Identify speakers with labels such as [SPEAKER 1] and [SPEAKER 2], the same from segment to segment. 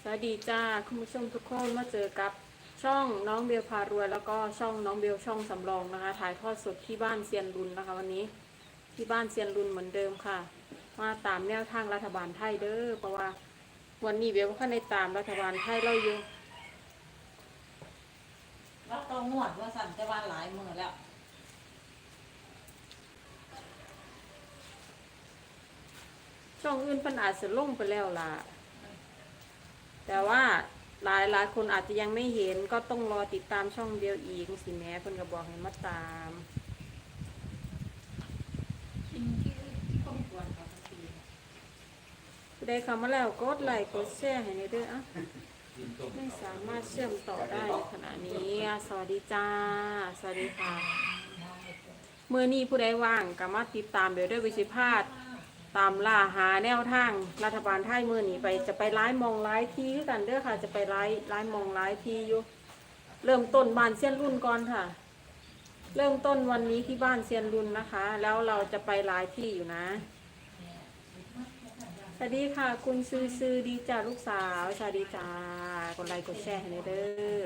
[SPEAKER 1] วัสดีจ้าคุณผู้ชมทุกคนมาเจอกับช่องน้องเบลพารวยแล้วก็ช่องน้องเบลช่องสำรองนะคะถ่ายทอดสดที่บ้านเซียนรุนนะคะวันนี้ที่บ้านเซียนรุนเหมือนเดิมค่ะมาตามแนวทางรัฐบาลไทยเด้อเพราะว่าวันนี้เบลก็ในตามรัฐบาลไทยเราอยู่
[SPEAKER 2] แล้วต้องงวดว่าสั่นจะว่าหลายมือแล้ว
[SPEAKER 1] ช่องอื่นเพิ่นอาจจะลงไปแล้วล่ะแต่ว่าหลายคนอาจจะยังไม่เห็นก็ต้องรอติดตามช่องเดียวอีกสิแม่เพิ่นก็บอกให้มาตามได้คำมาแล้วกดไลค์กดแชร์ให้ในเด้ออ่ะไม่สามารถเชื่อมต่อได้ในขณะนี้สวัสดีจ้าสวัสดีค่ะเมื่อนี้ผู้ใดว่างก็มาติดตามเดี๋ยวด้วยวิชิพาสตามล่าหาแนวทางรัฐบาลไทยมือนี้ไปจะไปไล่มองไล่ที่กันเด้อค่ะจะไปไล่มองไล่ที่อยู่เริ่มต้นบ้านเซียนรุ่นก่อนค่ะเริ่มต้นวันนี้ที่บ้านเซียนรุ่นนะคะแล้วเราจะไปไล่ที่อยู่นะสวัสดีค่ะคุณซื้อดีจ้าลูกสาวสวัสดีจ้ากดไลค์กดแชร์ให้เด้อ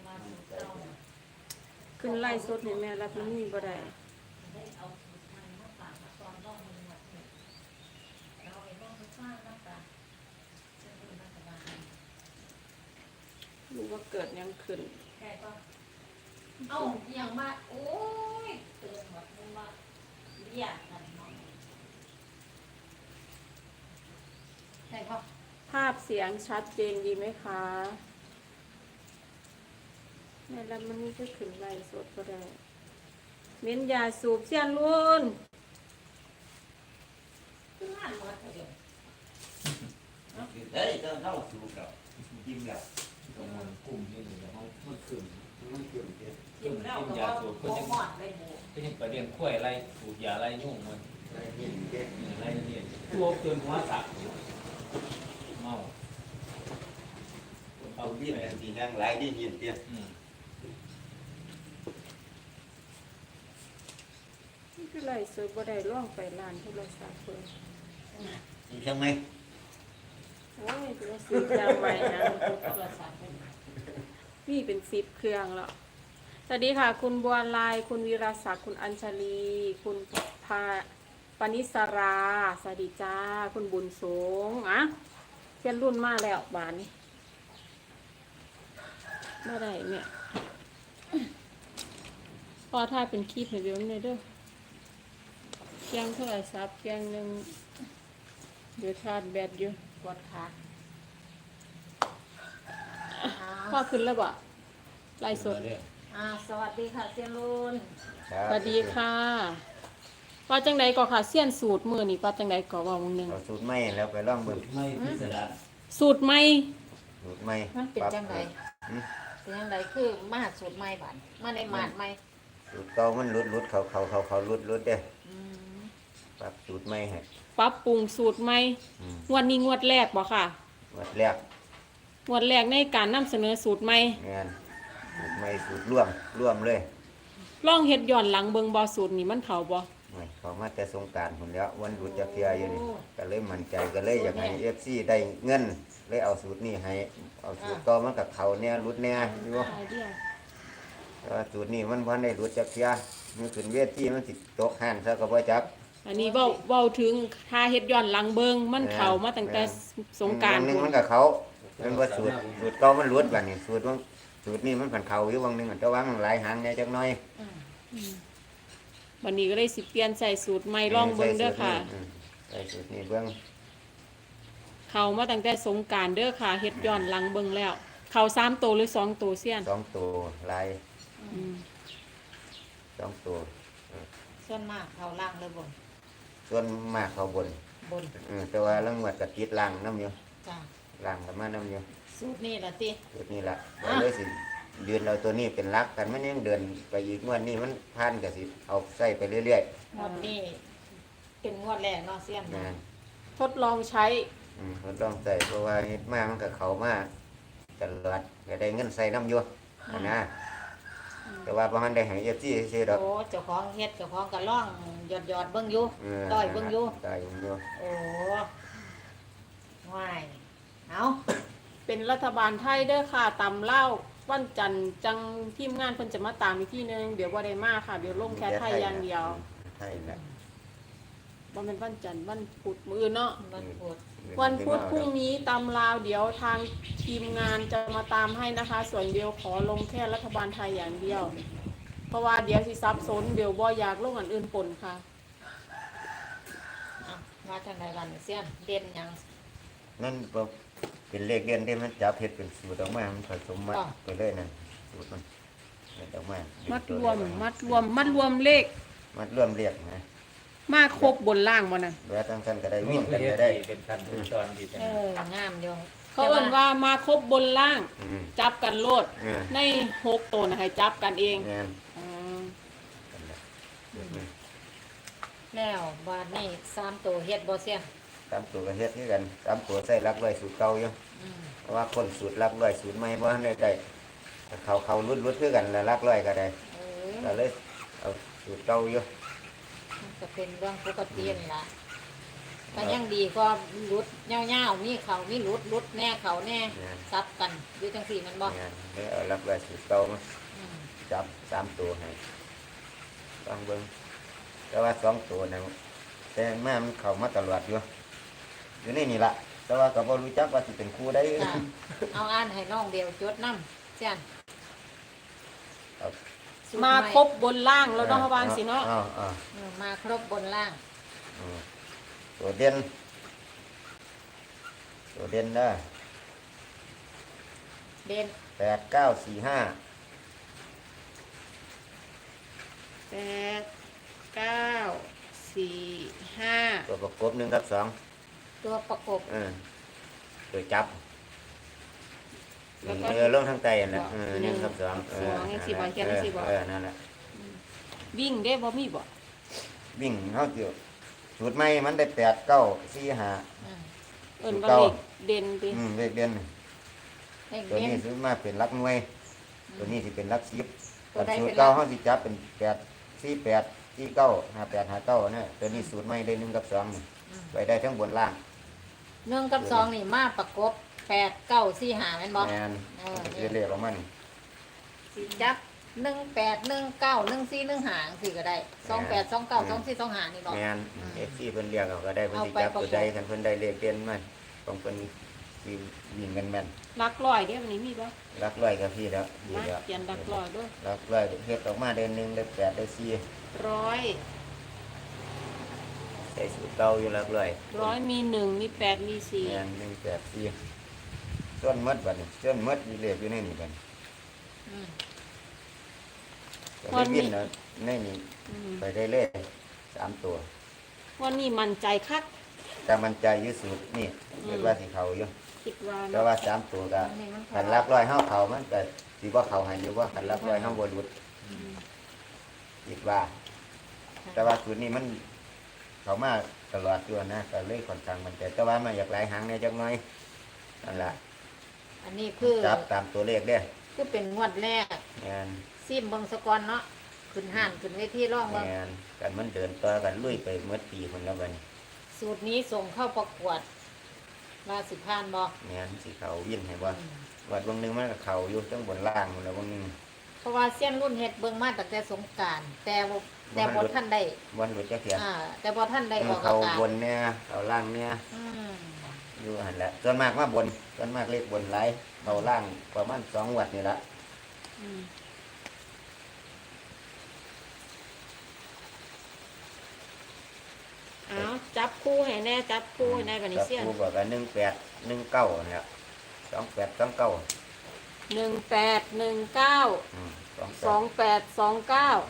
[SPEAKER 1] ขึ้นไล่สดให้แม่รับนี่บ่ได้รู้ว่าเกิดยังขึ้น
[SPEAKER 2] เอ้าอย่างมาโอ้ยเตือนหมดมึงว่าเรียกกันหน่อยใช่ปะ
[SPEAKER 1] ภาพเสียงชัดเจนดีไหมคะแม่รับมันนี่ก็ขึ้นไล่สดก็ได้เม้นยาสูบเสียนรุ่น
[SPEAKER 2] คืองานหมดเลย
[SPEAKER 3] เฮ้ยเจ้าสูบกับยิ้มแล้ว
[SPEAKER 4] ตรงมันกลุ่มนี่เลยเขามันขึ้น
[SPEAKER 3] มันเกี่ยวกับ
[SPEAKER 2] กินแล้วก็ว่าหมดเลยหมู
[SPEAKER 4] ก็ยังไปเรียนกล้วยไรสูบยาไรยุ่งมัน
[SPEAKER 3] อะไรนี่เด็ก
[SPEAKER 4] ไรเนี่ยตัวเกินหัวสักเมา
[SPEAKER 3] เอาวิ่งสีนั่งไหลได้ยินเตี้ย
[SPEAKER 1] นี่คือไล่สดบ่ได้ล่องไปร้านโทรศัพท์เพิ่น
[SPEAKER 3] ใช่ไหม
[SPEAKER 1] โอ้ยจะซื้อจาใหม่นะ
[SPEAKER 2] ตัวสารเป็น
[SPEAKER 1] นี่เป็น10เครื่องแล้วสวัสดีค่ะคุณบัวลายคุณวีรศักดิ์คุณอัญชลี คุณพาปณิสราสวัสดีจ้าคุณบุญสงอ่ะเซียนรุ่นมาแล้วบานนี้มาได้เนี่ยพอถ้าเป็นคลิปให้เดี๋ยวนี้เด้อเคียงเท่าไหร่ซับเคียงหนึ่งเดี๋ยวชาร์จแบตอยู่
[SPEAKER 2] ปวดขา
[SPEAKER 1] พ่อขึ้นแล้วบ่ไล่สด
[SPEAKER 2] สวัสดีค่ะเซียนรุน
[SPEAKER 1] สวัสดีค่ะว่าจังใดก็ค่ะเสี้ยนสูตรมือนี่ว่าจังใดก็ว่ามึงหนึง
[SPEAKER 3] เอาสูตรไม่แล้วไปล่องเบิ่ง
[SPEAKER 4] ไม่พิสดาร
[SPEAKER 1] สูตรใหม่
[SPEAKER 3] สูตรไม่
[SPEAKER 2] มันเป็นจังไรเป็นจังไรคือมาหาสูตรใหม่บันมาในหมาดใหม่
[SPEAKER 3] สูตรเก่ามันรุดเขารุดเด้ปรับสูตรไม่ให้
[SPEAKER 1] ปรับปรุงสูตรใหม่งวดนี้งวดแรกบ่ค่ะ
[SPEAKER 3] วัดแรก
[SPEAKER 1] งวดแรกในการนำเสนอสูตรใหม่
[SPEAKER 3] งานสูตรไม่สูตรร่วมเลย
[SPEAKER 1] ลองเฮ็ดย้อนหลังเบิ่งบ่สูตรนี้มันเข้าบ่
[SPEAKER 3] เขามาแต่สงกรานต์พุ่นแล้ววันหยุดจะเที่ยอยู่นี่ก็เลยมั่นใจก็เลยอยากให้ FC ได้เงินเลยเอาสูตรนี้ให้เอาสูตรเก่ามันกับเขาเนี่ยรุดแน่อยู่ แต่ว่าสูตรนี้มันพันได้รู้จักเสียมันขึ้นเวทีมันสิตกหันซะก็บ่จัก
[SPEAKER 1] อันนี้เว้าถึงถ้าเฮ็ดย้อนหลังเบิ่งมันเข้ามาตั้งแต่สงกรานต์
[SPEAKER 3] บนึงมันก็เขามันว่าสูตรเก่ามันรุดบัดนี้สูตรนี้มันผันเขาอยู่บางนึงแต่ว่ามันหลายหางแหน่จักหน่อย
[SPEAKER 1] วันนี้ก็เลยสิเปลี่ยนใส่สูตรใหม่ลองเบิ่งเด้อค่ะ
[SPEAKER 3] ใส่สูตรนี้เบิ่ง
[SPEAKER 1] เข้ามาตั้งแต่สงกรานต์เด้อค่ะเฮ็ดย้อนหลังเบิ่งแล้วเข้า3ตัวหรือ2ตัวเสี้ยน
[SPEAKER 3] 2ตัวลาย2ตัว
[SPEAKER 2] ส่วนมากเขาล่างเลยบน
[SPEAKER 3] ส่วนมากเขาบน
[SPEAKER 2] บน
[SPEAKER 3] แต่ว่าลังวัดก็ติดล่างนำอยู่
[SPEAKER 2] จ้า
[SPEAKER 3] ล่างก็มานํอยู่
[SPEAKER 2] สูตรนี่ละติ
[SPEAKER 3] สูตรนี้ล่ะเลยสิยืนเอาตัวนี้เป็นหลักกันมันยังเดินไปอีกงวดนี้มันผ่านก็สิเอาใส่ไปเรื่อย
[SPEAKER 2] งวดนี้เป็นงวดแรกเนาะเซียน
[SPEAKER 3] ๆนะ
[SPEAKER 1] ทดลองใช้
[SPEAKER 3] ทดลองใส่เพราะว่าเฮ็ดมามันก็เข้ามาตลอดก็ได้เงินใส่น้ำอยู่นะแต่ว่าบ่ทันได้ให้ FC ซื่อๆดอก
[SPEAKER 2] โอ้เจ้าของเฮ็ดเจ้าของก็ล่องหยอดเบิ่งอยู่ต่อยเบิ่งอยู่
[SPEAKER 3] ต่อยเบิ่งอยู่
[SPEAKER 2] โอ้ว่ายเอา
[SPEAKER 1] เป็นรัฐบาลไทยเด้อค่ะตำเล่าวันจันทร์จังทีมงานเพิ่นจะมาตามอีกทีนึงเดี๋ยวบ่ได้มาค่ะเดี๋ยวลงแค่ไทยอย่างเดียว
[SPEAKER 3] ไทยนะ
[SPEAKER 1] บ่แม่นวันจันทร์วันพุธมื้ออื่นเนาะ
[SPEAKER 2] มันปวด
[SPEAKER 1] วันพุธพรุ่งนี้ตำลาวเดี๋ยวทางทีมงานจะมาตามให้นะคะ ส่วนเดียวขอลงแค่รัฐบาลไทยอย่างเดียว เพราะว่าเดี๋ยวสิซับซ้อนเดี๋ยวบ่อยากลงอันอื่นปนค่ะ
[SPEAKER 2] อ่ะมาทางไหนกันเสี้ยนเด่นหยัง
[SPEAKER 3] นั่นบ่เป็นเลขเด่นที่มันจับเฮ็ดเป็นสูตรออกมามันผสมมัดไปเลยนั่นสูตรมันเฮ็ดออกมา
[SPEAKER 1] มั
[SPEAKER 3] มั
[SPEAKER 1] ดรวมเลข
[SPEAKER 3] มัดรวมเรียกนะ
[SPEAKER 1] มาครบบนล่างบ่น่ะ
[SPEAKER 3] แล้วทั้งกันก็ได้วิ่ง
[SPEAKER 4] เป็
[SPEAKER 3] กัน นก็
[SPEAKER 4] ได้
[SPEAKER 3] ได้
[SPEAKER 4] เป็นขั้นเป็นตอนดีจัง
[SPEAKER 2] งามอยู่
[SPEAKER 1] เขาเอิ้นว่ามาครบบนล่าง
[SPEAKER 3] อืม
[SPEAKER 1] จับกันโลด ใน6ตัวนะให้จับกันเอง
[SPEAKER 3] งาน
[SPEAKER 1] อืม
[SPEAKER 3] กันละเดี๋ยวนี้
[SPEAKER 2] แล้วบาดนี้3ตัวเฮ็ดบ่เสี้ยน
[SPEAKER 3] ตามตัวก็เฮ็ดคือกันตามตัวใส่รักไว้สูตรเก่าอยู่
[SPEAKER 2] อืม
[SPEAKER 3] เพราะว่าคนสูตรรักไว้สูตรใหม่บ่ทันได้ได้เขารุดคือกันแล้วรักไว้ก็ได้
[SPEAKER 2] เออ
[SPEAKER 3] ก็เลยเอาสูตรเก่าอยู่
[SPEAKER 2] มันก็เป็นเรื่องปกตินั่นล่ะก็ยังดีก็หลุดยาวๆมีเขามีหลุดแน่เขาแน่ซับกันอยู่จังซี่มันบ่
[SPEAKER 3] งานเลยเอารักไว้สูตรเก่ามา
[SPEAKER 2] อืม
[SPEAKER 3] จับ3ตัวให้ต้องเบิ่งแต่ว่า2ตัวนะแต่มามันเข้ามาตลอดอยู่ในนี่ล่ะแต่ว่าก็บ่รู้จักว่าสิเป็นครูได้
[SPEAKER 2] ค่ะเอาอ่านให้น้องเดียวจดนำเสี้ยน
[SPEAKER 3] ครับ
[SPEAKER 2] สูตร
[SPEAKER 1] มา
[SPEAKER 2] ให
[SPEAKER 1] ครบบนล่างแล้วเนาะวางสิเนาะ
[SPEAKER 3] อ้าว
[SPEAKER 2] มาครบบนล่าง
[SPEAKER 3] อืมตัวเด่นนะ
[SPEAKER 2] เด่น
[SPEAKER 3] 8945
[SPEAKER 1] 8 9 4 5
[SPEAKER 3] ตัวประกบ1กับ2
[SPEAKER 2] ตัวประกบ
[SPEAKER 3] ตัวจับ
[SPEAKER 1] แล้วก็
[SPEAKER 3] ลงทางใต้นั่นแหละ1กับ2
[SPEAKER 1] สองยังสิบ่เขียนจังสิบ่
[SPEAKER 3] นั่นแหละ
[SPEAKER 1] วิ่งได้บ่มีบ่
[SPEAKER 3] วิ่งเฮาสิสูตรใหม่มันได้8 9 4 5
[SPEAKER 2] อืม
[SPEAKER 1] เอิ้นว่าเลขเด่นติ
[SPEAKER 3] เลขเด่น
[SPEAKER 2] เลข
[SPEAKER 3] ตัว
[SPEAKER 2] เด่น
[SPEAKER 3] นี้สิมาเป็นหลักหน่วย ตัวนี้สิเป็นหลัก10
[SPEAKER 2] ตัวใด
[SPEAKER 3] สูต
[SPEAKER 2] เป็
[SPEAKER 3] ร
[SPEAKER 2] น
[SPEAKER 3] เก่า
[SPEAKER 2] หลัก
[SPEAKER 3] เฮาสิจับเป็น8 4 8 4 9 5 8 5 9นะตัวนี้สูตรใหม่ได้1กับ2นี่ไปได้ทั้งบนล่าง
[SPEAKER 2] 1กับ2นี่มาประกบ8 9 4 5แม่นบ่
[SPEAKER 3] แม่น
[SPEAKER 2] นี่
[SPEAKER 3] เรียกออกมานี่
[SPEAKER 2] สิจับ18 19 14 15สิก็ได้28 29 24 25นี่บ่
[SPEAKER 3] แม่น FC เพิ่นเรียกเอาก็ได้เพิ่นสิ
[SPEAKER 2] เอาไป
[SPEAKER 3] จับตัวใด
[SPEAKER 2] ประกบ
[SPEAKER 3] คันเพิ่นได้เลขเด่นมาของเพิ่นสิวิ่งกันแม่น
[SPEAKER 1] หลักร้อยเด้อวันนี้มีบ่
[SPEAKER 3] หลักร้อยกับพี่แล้วดี
[SPEAKER 1] มา
[SPEAKER 3] แล้ว
[SPEAKER 1] เขียนหลักร้อยด้วย
[SPEAKER 3] หลักร้อยเฮ็ดออกมาได้1ได้8ได้4
[SPEAKER 1] ร้อย
[SPEAKER 3] ใส่สูตรเก่าอยู่หลักร้อย
[SPEAKER 1] ร้อยมี1มี8มี4
[SPEAKER 3] แม่น1 8 4ส่วนหมดบัดนี้ส่วนหมดมีเลขอยู่ในนี่บัดนี้
[SPEAKER 2] อืม
[SPEAKER 3] ก็เลยวิ่งนะในนี่
[SPEAKER 1] อืม
[SPEAKER 3] ไปได้เลย3ตัว
[SPEAKER 1] วันนี้มั่นใจคัก
[SPEAKER 3] แต่มันใจอยู่สูตรนี่เรียกว่าสิเข้าอยู่
[SPEAKER 1] คิดว่า
[SPEAKER 3] แต่
[SPEAKER 1] เนาะ
[SPEAKER 3] ว่า3ตัวก็
[SPEAKER 2] อันนี้มัน
[SPEAKER 3] คันหลักร้อยเฮาเข้ามันก็สิบ่เข้าให้อยู่ว่าคันหลักร้อยเฮาบ่หลุดคิดว่า แต่ว่าสูตรนี้มันเข้ามาตลอดอยู่นะก็เลยค่อนข้างมันใจแต่ว่ามันอยากหลายหางแหน่จักหน่อยนั่นล่ะ
[SPEAKER 2] อันนี้คือ
[SPEAKER 3] จับตามตัวเลขเด้อ
[SPEAKER 2] คือเป็นงวดแรก
[SPEAKER 3] แม่น
[SPEAKER 2] ซิมเบิ่งสะก่อนเนาะขึ้นห้านขึ้นเวทีร้องเบิ่ง
[SPEAKER 3] แม่นกันมันเดินต่อกันลุยไปหมดปีพุ่นแล้วบัดนี้
[SPEAKER 2] สูตรนี้ส่งเข้าประกวดว่าสิผ่านบ่
[SPEAKER 3] แม่นสิเข้าวินให้บ่วัดบางนึงมันก็เข้าอยู่ทั้งบนล่างพุ่นแล้วบางนึง
[SPEAKER 2] เพราะว่าเส้นรุ่นเฮ็ดเบิ่งมาตั้งแต่สงกรานต์แต่บ่ท่านได้
[SPEAKER 3] วันหลุดจักเที่ย
[SPEAKER 2] แต่บ่ท่านได้ออก
[SPEAKER 3] เขา
[SPEAKER 2] อากาศ
[SPEAKER 3] บนเนี่ยเขาล่างเนี่ย
[SPEAKER 2] อืม
[SPEAKER 3] อยู่หันแหละส่วนมากมาบนส่วนมากเลขบนหลายเขาล่างประมาณ2 วัดนี่ละ
[SPEAKER 1] อืมเอาจับคู่ให้แน่จับคู่ให้แน่บัดนี้เสียน
[SPEAKER 3] กูบอกกัน18 19เนี่ย28 29
[SPEAKER 1] 18 19
[SPEAKER 3] 28
[SPEAKER 1] 28 29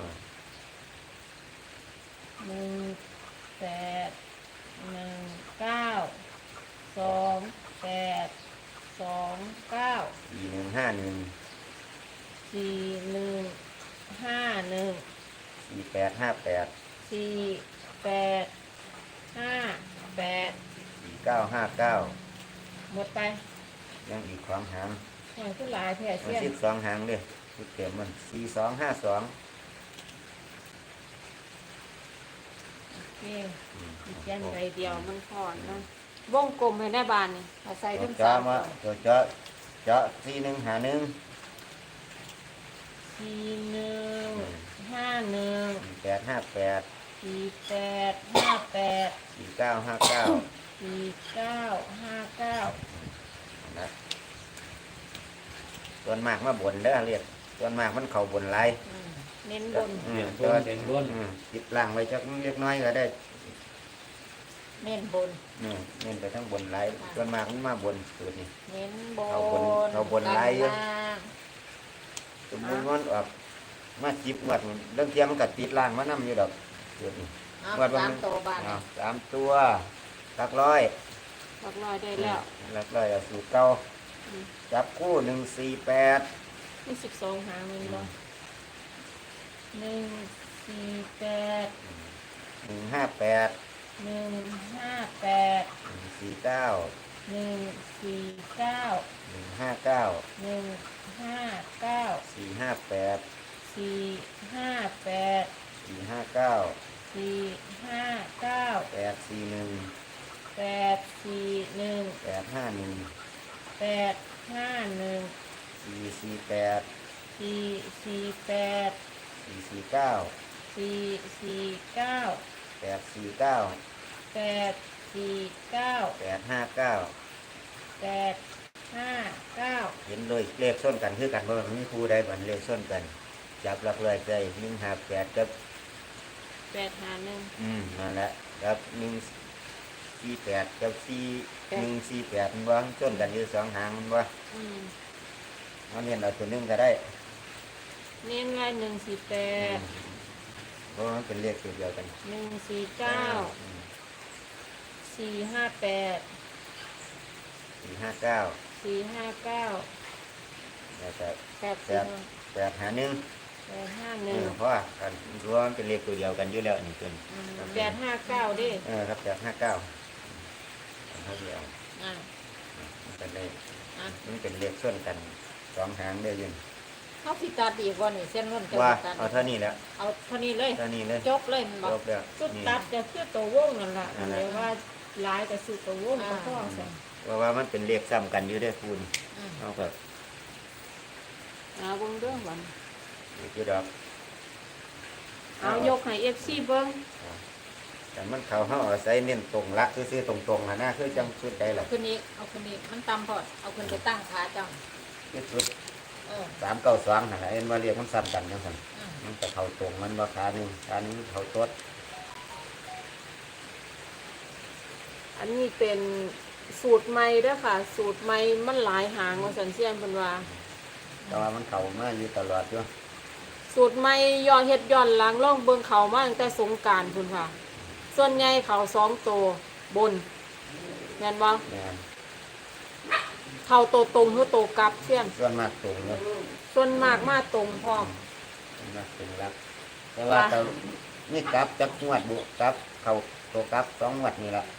[SPEAKER 3] 4151
[SPEAKER 1] หมดไป
[SPEAKER 3] ยังอีก2 หาง
[SPEAKER 1] แห่งขึ้นหลายแผ่
[SPEAKER 3] มั
[SPEAKER 1] เสี้ยน
[SPEAKER 3] น12 หางเด้ชุดเต็มมัน4252
[SPEAKER 1] นี่อีกแค่ใบเดียวมันพอนเนาะวงกลมให้ได้บานนี่
[SPEAKER 2] เอาใส่
[SPEAKER 3] ตัว
[SPEAKER 2] ทั้ง
[SPEAKER 3] เจาะ
[SPEAKER 2] สาม
[SPEAKER 3] มาตัวเจาะ4151
[SPEAKER 2] 4151
[SPEAKER 3] 858
[SPEAKER 2] 4858
[SPEAKER 3] 4959
[SPEAKER 2] 4959
[SPEAKER 3] นะส่วนมากมาบนเด้อเรียกส่วนมากมันเข้าบนหลาย
[SPEAKER 2] เน้นบน
[SPEAKER 3] อืม
[SPEAKER 4] เด่นบน
[SPEAKER 3] ติดล่างไว้จักเล็กน้อยก็ได้
[SPEAKER 2] เน้นบน
[SPEAKER 3] เน้นไปทั้งบนหลายส่วนมากมันมาบนสูตรนี้
[SPEAKER 2] เน้นบน
[SPEAKER 3] เอาบนไล่อยู่
[SPEAKER 2] ล่าง
[SPEAKER 3] สมมุติมันออกมาจิบงวดมันเรื่องเทียมมันก็ติดล่างมานํอยู่ดอกสูตรนี้
[SPEAKER 2] เอา
[SPEAKER 3] งวด
[SPEAKER 2] สามตัวบาน
[SPEAKER 3] อ้าว3ตัวหลักร้อย
[SPEAKER 1] หลักร้อยได้แล้ว
[SPEAKER 3] หลักร้อยเอาสูตรเก่า
[SPEAKER 1] อืม
[SPEAKER 3] จับคู่148
[SPEAKER 1] มี12หางแมันบ่
[SPEAKER 2] 148
[SPEAKER 3] 158
[SPEAKER 2] 158
[SPEAKER 3] 149
[SPEAKER 2] 149
[SPEAKER 3] 159
[SPEAKER 2] 159
[SPEAKER 3] 458
[SPEAKER 2] 458
[SPEAKER 3] 459
[SPEAKER 2] 459
[SPEAKER 3] 841
[SPEAKER 2] 841
[SPEAKER 3] 851
[SPEAKER 2] 851
[SPEAKER 3] 448
[SPEAKER 2] 448
[SPEAKER 3] 449
[SPEAKER 2] 449
[SPEAKER 3] 849
[SPEAKER 2] 849
[SPEAKER 3] 859
[SPEAKER 2] 859
[SPEAKER 3] เห็นเลยเลขส้นกันคือกันเพราะมันมีครูใดบันเลขส้นกัน จับหลักเลยใจ158กับ
[SPEAKER 1] 851
[SPEAKER 3] นั่นแหละกับ148กับ4148มันว่าส้นกันอยู่สองหางมันว่า
[SPEAKER 1] อืม
[SPEAKER 3] มันเห็นเอาตัวหนึงก็ได้
[SPEAKER 1] เน้นไว้
[SPEAKER 3] อืม
[SPEAKER 1] 148
[SPEAKER 3] เพราะมันเป็นเลขตัวเดียวกัน
[SPEAKER 1] 149
[SPEAKER 3] อืม
[SPEAKER 1] 458
[SPEAKER 3] 459
[SPEAKER 1] 459
[SPEAKER 3] แล้วก็
[SPEAKER 1] 851
[SPEAKER 3] 851เพราะว่ากันรวมเป็นเลขตัวเดียวกันอยู่แล้วนี่ตัวนี้
[SPEAKER 1] 859ดิ
[SPEAKER 3] ครับ859เขาเดียว
[SPEAKER 2] อ่ะ
[SPEAKER 3] มันเป็นเลข
[SPEAKER 2] อ่ะ
[SPEAKER 3] มันเป็นเลขส่วนกันสองหางได้ยิน
[SPEAKER 2] เขาสิตัดอีกว่านี่เส้นรุ่นจะ
[SPEAKER 3] ว่า
[SPEAKER 2] ตัด
[SPEAKER 3] เอาเท่านี้แล้ว
[SPEAKER 2] เอาเท่านี้เลย
[SPEAKER 3] เท่านี้เลย
[SPEAKER 2] จบเลยมันบอ
[SPEAKER 3] จ
[SPEAKER 2] ก
[SPEAKER 3] บแล้ว
[SPEAKER 1] สุด
[SPEAKER 3] นี่
[SPEAKER 1] ตัดจะคือตัววงนั่นล่ะอันนี้ว่าหลายก็คือตัววงก็พอใส่
[SPEAKER 3] ว่ามันเป็นเลขซ้ำกันอยู่ได้อคุณ
[SPEAKER 2] อืม
[SPEAKER 3] เอาก็
[SPEAKER 1] เอาเบิ่งเด้อวัน
[SPEAKER 3] อยู่ดอก
[SPEAKER 1] เอายกให้ FC เบิ่ง
[SPEAKER 3] แต่มันเขาเขาเอาใส่เน้นตรงละซื้อๆตรงๆนะคือจังชุดใดล่ะ
[SPEAKER 2] เอาขึ้นนี้เอาขึ้นนี้มันต่ำพอดเอาขึ้นไปตั้งขาจัง
[SPEAKER 3] คือชุด
[SPEAKER 2] เออ
[SPEAKER 3] 392นั่นแหละเอ็นว่าเรียกมันซ้ำกันจังซั่น
[SPEAKER 2] อืม
[SPEAKER 3] มันก็เข้าตรงมันว่าขาหนึงเขาตด
[SPEAKER 1] อันนี้เป็นสูตรใหม่เด้อค่ะ สูตรใหม่มันหลายหางว่าสันเซียนเพิ่นว่า
[SPEAKER 3] แต่ว่ามันเข้ามาอยู่ตลอดอยู่
[SPEAKER 1] สูตรใหม่ย้อนเฮ็ดย้อนหลังล่องเบิ่งเขามาตั้งแต่สงกรานต์พุ่นค่ะ ส่วนใหญ่เขา2ตัวบนแม่นบ่
[SPEAKER 3] แม่น
[SPEAKER 1] เขาโตวตรงหรือโตวกลับเซียน
[SPEAKER 3] ส่วนมากตรงอยู่
[SPEAKER 1] ส่วนมากมาตรงพร้อม
[SPEAKER 3] ส่วนมากตรงรักแต่ว่าแต่นี่กลับจักงวดบุกลับเข้าตัวกลับ2งวดนี่ล่ะ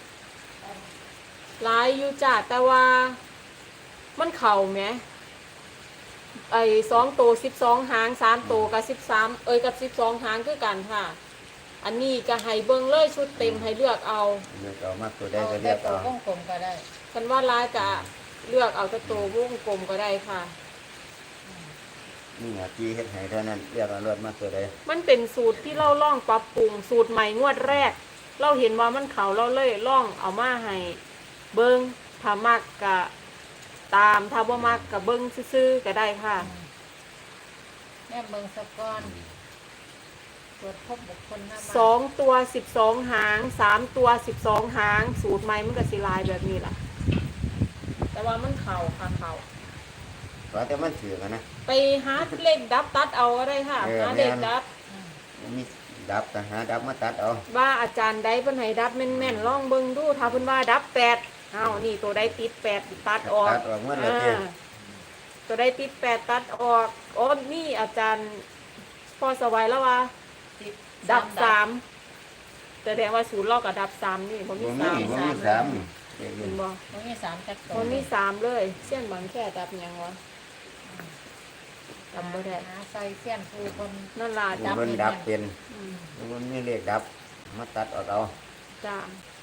[SPEAKER 1] หลายอยู่จ้าแต่ว่ามันเข่าแหมไอ้2ตัว12หาง3ตัวกับ13กับ12หางคือกันค่ะ อันนี้ก็ให้เบิ่งเลยชุดเต็มให้เลือกเอา
[SPEAKER 3] เลือกเอามากตัวใด
[SPEAKER 2] เอา
[SPEAKER 3] ก็
[SPEAKER 2] แต่
[SPEAKER 3] เลือก
[SPEAKER 2] ตัว
[SPEAKER 3] เอา
[SPEAKER 2] วงกลมก็ได้
[SPEAKER 1] กันว่าลายจะเลือกเอาแต่ตัววงกลมก็ได้ค่ะ
[SPEAKER 3] นี่หาจีเฮ็ดให้เท่านั้นเลือกเอารถมากตัวใด
[SPEAKER 1] มันเป็นสูตรที่เราล่องปรับปรุงสูตรใหม่งวดแรก เราเห็นว่ามันเขาเราเลยล่องเอามาให้เบิ้งถ้ามักกะตามถ้าบ่มักกะเบิ้งซื่อๆก็ได้ค่ะ
[SPEAKER 2] แม่เบิ่งสะก้อนตรวจพบบุคคลหน้าบ้าน
[SPEAKER 1] สองตัว12หาง3ตัว12หางสูตรใหม่มันก็สิลายแบบนี้ล่ะ แต่ว่ามันเข่าค่ะเข่า
[SPEAKER 3] เพราะแต่มันถือกันนะ
[SPEAKER 1] ไปหาเลขดับตัดเอาก็ได้ค่ะ
[SPEAKER 3] เออ
[SPEAKER 1] หาเลขดับ
[SPEAKER 2] อืม
[SPEAKER 3] มีดับก็หาดับมาตัดเอา
[SPEAKER 1] ว่าอาจารย์ใดเพิ่นให้ดับแม่นๆลองเบิ่งดูถ้าเพิ่นว่าดับ8เอานี่ตัวใดติด8ตัดออก
[SPEAKER 3] ตัดออกเมื่อละเทีย
[SPEAKER 1] ตัวใดติด8ตัดออกอ๋อนี่อาจารย์พอสวัยแล้วว่า
[SPEAKER 2] ติด
[SPEAKER 1] ดับ
[SPEAKER 2] สาม
[SPEAKER 1] 3แสดงว่าศูนย์ลอกกับดับ3นี่บ่มี
[SPEAKER 3] บ่มี
[SPEAKER 1] 3
[SPEAKER 3] บ่มีสามเรียกอ
[SPEAKER 1] เห็
[SPEAKER 3] ยู่
[SPEAKER 1] นบ่
[SPEAKER 2] มันมีสามจักรตัว
[SPEAKER 1] บ่มี3เลยเส้นบางแค่ดับหยังวะจำบ่ได้
[SPEAKER 2] หาใส่เสี้ยนผู้คน
[SPEAKER 1] นั่นล่ะ
[SPEAKER 3] ผู้
[SPEAKER 1] ดับ
[SPEAKER 3] เพิ่นดับเป็น
[SPEAKER 1] อืม
[SPEAKER 3] ผู้เพิ่นมีเลขดับมาตัดออกเอา
[SPEAKER 1] จ้า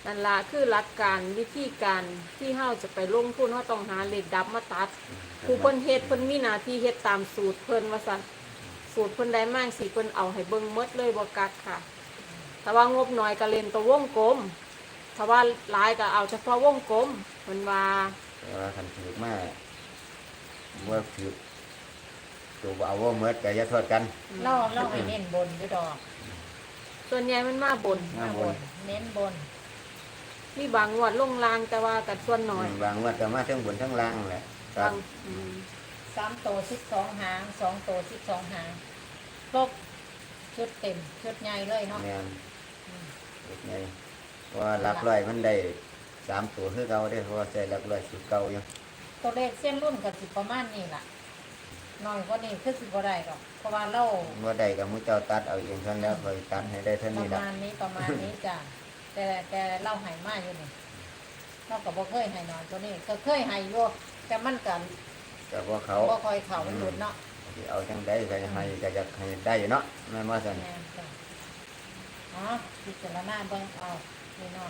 [SPEAKER 1] นั่นล่ะคือหลักการวิธีการที่เฮาจะไปลงทุนเฮาต้องหาเลขดับมาตัดผู้เพิ่นเฮ็ดเพิ่นมีหน้าที่เฮ็ดตามสูตรเพิ่นว่าซั่นสูตรเพิ่นได้มากสิเพิ่นเอาให้เบิ่งหมดเลยบ่กักค่ะถ้าว่างบน้อยก็เล่นตัววงกลมถ้าว่าหลายก็เอาเฉพาะวงกลมเพิ่นว่า
[SPEAKER 3] แต่ว่าคันถือมาว่าถือตัวบ่เอาว่าเมื่อก็อย่าโทษกัน
[SPEAKER 2] เราให้เน้นบนอยู่ดอก
[SPEAKER 1] ส่วนใหญ่มันมาบน
[SPEAKER 3] มาบน
[SPEAKER 2] เน้นบน
[SPEAKER 1] มีบางงวดลงลางแต่ว่ากัดส่วนน้อย
[SPEAKER 3] บางว่าจะมาทั้งบนทั้งล่างแหละครับ
[SPEAKER 1] างอืม
[SPEAKER 2] 3 ตัว12 หาง2 ตัว12 หางครบชุดเต็มชุดใหญ่เลยเนาะ
[SPEAKER 3] แม่นเด็กไงว่าหลักร้อยมันได้3 ตัวคือเก่าได้เพราะว่าใส่หลักร้อยสุดเก่าอยู่
[SPEAKER 2] ตัวเลขเส้นรุ่นก็สิประมาณนี้ล่ะน้อยกว่านี้คือสิบ่ได้ดอกเพราะว่าเรา
[SPEAKER 3] ว่าได้กับมือเจ้าตัดเอาเองทั้งแล้วคอยตัดให้ได้เท่า
[SPEAKER 2] ป
[SPEAKER 3] นี้
[SPEAKER 2] ระ
[SPEAKER 3] ละ
[SPEAKER 2] มาณนี้ประมาณนี้จ้ะแต่เล่าใหายมากอยู่นี่เราก็บ่เคยใหายน้อยตัวนี้ก็เคยใหายอยู่แต่มันกัน
[SPEAKER 3] แต่ว่าเขา
[SPEAKER 2] บ่คอยเข่ามันหลุดเนาะ
[SPEAKER 3] สิเอาจังได้ก็ให้ก็อยากให้ได้อยู่เนาะแม่นว่าซั่น
[SPEAKER 2] แม่นจ้ะอ๋อพิจารณาเบิ่งเอาพี่น้อง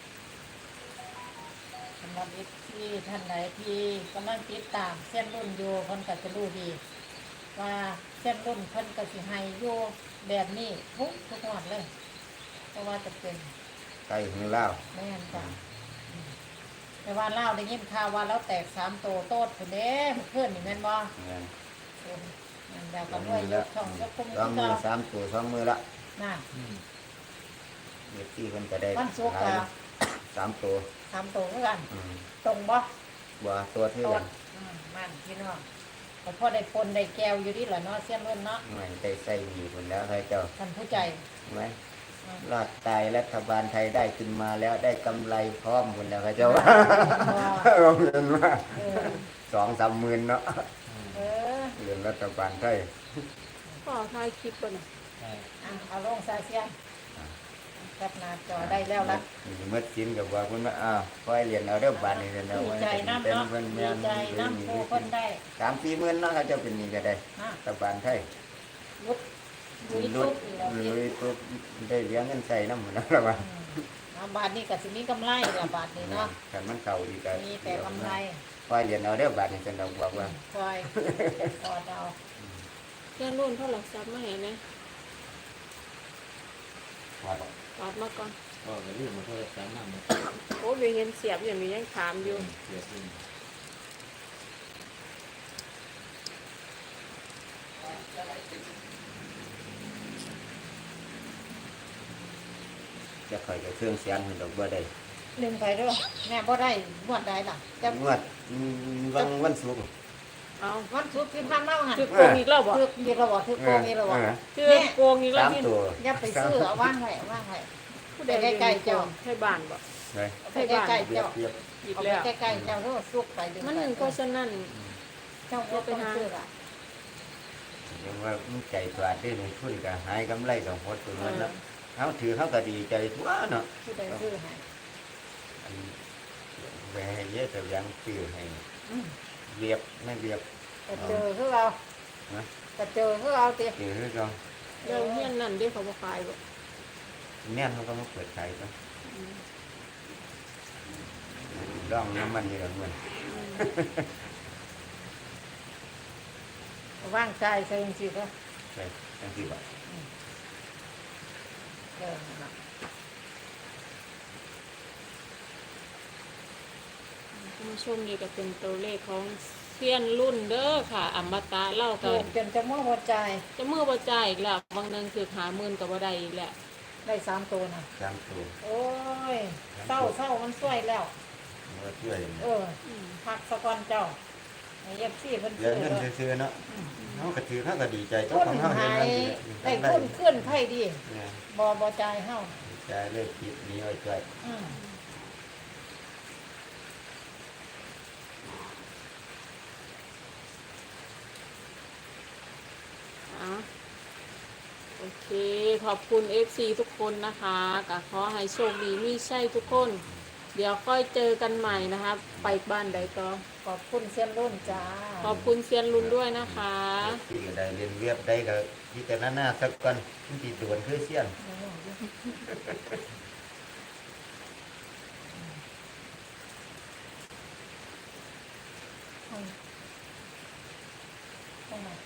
[SPEAKER 2] สำหรับที่ท่านใดที่กำลังติดตามเส้นรุ่นอยู่เพิ่นก็จะรู้ดี ว่าเส้นรุ่นเพิ่นก็สิให้อยู่แบบนี้ทุกงวดเลยเพราะว่าจะเป็น
[SPEAKER 3] ไก่หือเล่าว
[SPEAKER 2] แม่นจ้ะแต่ว่าเล่าได้ยินข่าวว่าเราแตก3 ตัวโตดคนเด้เพื่อนนี่แม่นบ่
[SPEAKER 3] แม่น
[SPEAKER 2] นั่นเดี๋ยวก็ด้วยยกช่องยกคุ้ม
[SPEAKER 3] สองมือ
[SPEAKER 2] ก็
[SPEAKER 3] 3 ตัว2 มือละ
[SPEAKER 2] น่ะ
[SPEAKER 3] เด็กที่เพิ่นก็ได้
[SPEAKER 2] วันศุกร์
[SPEAKER 3] หลาย
[SPEAKER 2] ก็
[SPEAKER 3] 3 ตัว
[SPEAKER 2] 3 ตัวเหมือนกัน
[SPEAKER 3] อืม
[SPEAKER 2] ตรงบ่
[SPEAKER 3] บ่ตัวที่
[SPEAKER 2] โต
[SPEAKER 3] กั
[SPEAKER 2] ด
[SPEAKER 3] น
[SPEAKER 2] มันพี่น้องแต่พอได้ปนได้แก้วอยู่ดีล่ะเนาะเสี้ยนรุ่นเนาะ
[SPEAKER 3] ไม่ได้ใส่มีพุ่นแล้วให้เจ้า
[SPEAKER 2] ท่านผู้ใจ
[SPEAKER 3] ไหมรอดตายรัฐบาลไทยได้ขึ้นมาแล้วได้กำไรพร้อมพุ่นแล้วให้เจ้าเอาเงินมา
[SPEAKER 2] เออ
[SPEAKER 3] 2-3 หมื่นเนาะ
[SPEAKER 2] เออ
[SPEAKER 3] เรื่องรัฐบาลไทย
[SPEAKER 1] ก็ถ่ายคลิปบ่น่ะ
[SPEAKER 2] เอาลงซาเสียนแคปหน้าจอได้แล้วล่ะ
[SPEAKER 3] เมื่อกินกับว่าคุณว่าอ้าวคอยเรียนเอาเด้อบาทนี่เรียนเอา
[SPEAKER 2] ดี
[SPEAKER 3] ไว้
[SPEAKER 2] ใจน้ำเนาะ
[SPEAKER 3] เพิ่น
[SPEAKER 2] ดี
[SPEAKER 3] แม่น
[SPEAKER 2] ใจน้ำผู้คนได้
[SPEAKER 3] 3-4 หมื่นเนาะเขาเจะเป็นนี่ก็ได้
[SPEAKER 2] นะ
[SPEAKER 3] รัฐบาลไทย
[SPEAKER 2] รุดลุย
[SPEAKER 3] รุ
[SPEAKER 2] ทุ
[SPEAKER 3] ด
[SPEAKER 2] บอีกแล้ว
[SPEAKER 3] ลุยปุ๊บได้เลี้ยงเงินใส่น้ำหมดแล้วล่ะว่า
[SPEAKER 2] เอาบาทนี้ก็สิมีกำไรละบาทนี้เนาะ
[SPEAKER 3] คันมันเข้าอีกก็
[SPEAKER 2] มีแต่กำไร
[SPEAKER 3] คอยเรียนเอาเด้อบาทนี่ฉันเราบอกว่า
[SPEAKER 2] คอยกอดเอา
[SPEAKER 1] เพื่อนรุ่นเท่าไหร่ซับมาให้นะ
[SPEAKER 3] ว่า
[SPEAKER 1] ตอดมาก่อน
[SPEAKER 4] ก็จะเรื่องมันก็จะสามารถมา
[SPEAKER 1] โอ้ยเห็นเสียบอย่างนี้ยังถามอยู่
[SPEAKER 4] เกิดขึ้น
[SPEAKER 3] จะคอยกับเครื่องเสียงเพิ่นดอกบ่ได้
[SPEAKER 2] ลืมไปด้วยแม่บ่ได้บวดได้ล่ะจะ
[SPEAKER 3] งวดวันศุกร์
[SPEAKER 1] เอา
[SPEAKER 2] วันศุกร์ที่ผ่านมาหัน
[SPEAKER 1] คือโกงอีกแล้วบ่
[SPEAKER 2] ถือมีระบ่ถือโกงมีระบ่
[SPEAKER 1] คือโกงอีกแล้ว
[SPEAKER 3] 3
[SPEAKER 1] นี่
[SPEAKER 3] ตัว
[SPEAKER 2] อย่าไปซื้อเอาว่างไว้ว่างไว้
[SPEAKER 1] ผู้ใดใกล้ๆเจ้าให้บ้านบ่
[SPEAKER 3] ไป
[SPEAKER 2] เอาไปใกล้ๆ
[SPEAKER 3] เรีย
[SPEAKER 2] เจ้า
[SPEAKER 3] บเรียบ
[SPEAKER 1] อีก
[SPEAKER 2] เอา
[SPEAKER 1] แล้ว
[SPEAKER 2] ไปใกล้ๆเจ้าแล้วสุกไปดึง
[SPEAKER 1] มัน
[SPEAKER 2] ไป
[SPEAKER 1] เพราะฉะนั้น
[SPEAKER 2] เจ้าบ่ไปหาซื้อล่ะ
[SPEAKER 3] ยังว่ามันใจกว่าได้ลงทุนก็หายกำไรก็หดตัวนั้นแล้วเฮาถือเฮาก็ดีใจทั่วเนาะ
[SPEAKER 2] ผู้ใดซื้อให้
[SPEAKER 3] อันแหวให้เยอะแต่ยังซื้อให้
[SPEAKER 2] อืม
[SPEAKER 3] เรียบไม่เรียบ
[SPEAKER 2] ก็เจอคือเรา
[SPEAKER 3] นะ
[SPEAKER 2] ก็เจอคือเอาติ
[SPEAKER 3] เจอคือเขา
[SPEAKER 1] เรื่องเฮียนนั่นเด้เขาบ่ขายบ่
[SPEAKER 3] เนี่ยเขาก็มาเปิดขายก็ร่องน้ำมันนี่แหละมัน
[SPEAKER 2] ว่างใจใส่จังซี่ก็
[SPEAKER 3] ใช่ทั้งที่บอก
[SPEAKER 2] เออนั่นล่ะ
[SPEAKER 1] คุณผู้ชมนี่ก็เป็นตัวเลขของเซียนรุ่นเด้อค่ะอมตะเล่า
[SPEAKER 2] เกิ
[SPEAKER 1] ก็
[SPEAKER 2] ดจนจะมั่วหัวใจ
[SPEAKER 1] จะมือบ่จ่ายอีกแล้วบางนึงคือหาหมื่นก็บ่ได้อีกแล้ว
[SPEAKER 2] ได้3ตัวน่ะ
[SPEAKER 3] 3 ตัว
[SPEAKER 2] โอ้ยเศร้ามันสวยแล้ว
[SPEAKER 3] มาช่วย
[SPEAKER 2] เออพักสะก่อนเจ้าไอ้FCเพิ่น
[SPEAKER 3] เลี้ย
[SPEAKER 2] ซื้
[SPEAKER 3] ง
[SPEAKER 2] อ
[SPEAKER 3] เงิน
[SPEAKER 2] แล้ว
[SPEAKER 3] ซื้อเนาะเขาก็ถือเขาก็ดีใจเจ้า
[SPEAKER 2] ทุน
[SPEAKER 3] ของเขา
[SPEAKER 2] หา
[SPEAKER 3] เห็น
[SPEAKER 2] ย
[SPEAKER 3] มัน
[SPEAKER 2] ได้ทุนขึ้นไผดี
[SPEAKER 3] เนี่ย
[SPEAKER 2] บ่จ่ายเฮา
[SPEAKER 3] ใจเลิกคิดหนี้ไว้ใจ
[SPEAKER 2] อืม
[SPEAKER 1] อ่ะโอเค ขอบคุณ FC ทุกคนนะคะก็ขอให้โชคดีมีใช่ทุกคน เดี๋ยวค่อยเจอกันใหม่นะคะ ไปบ้านใดต่อ
[SPEAKER 2] ขอบคุณเซียนรุ่นจ้า
[SPEAKER 1] ขอบคุณเซียนลุนด้วยนะคะ
[SPEAKER 3] ที่ก็ได้เรียนเรียบได้ก็ที่แต่หน้าสักก่อนที่ด่วนคือเสี้ยน
[SPEAKER 2] ตรงไหน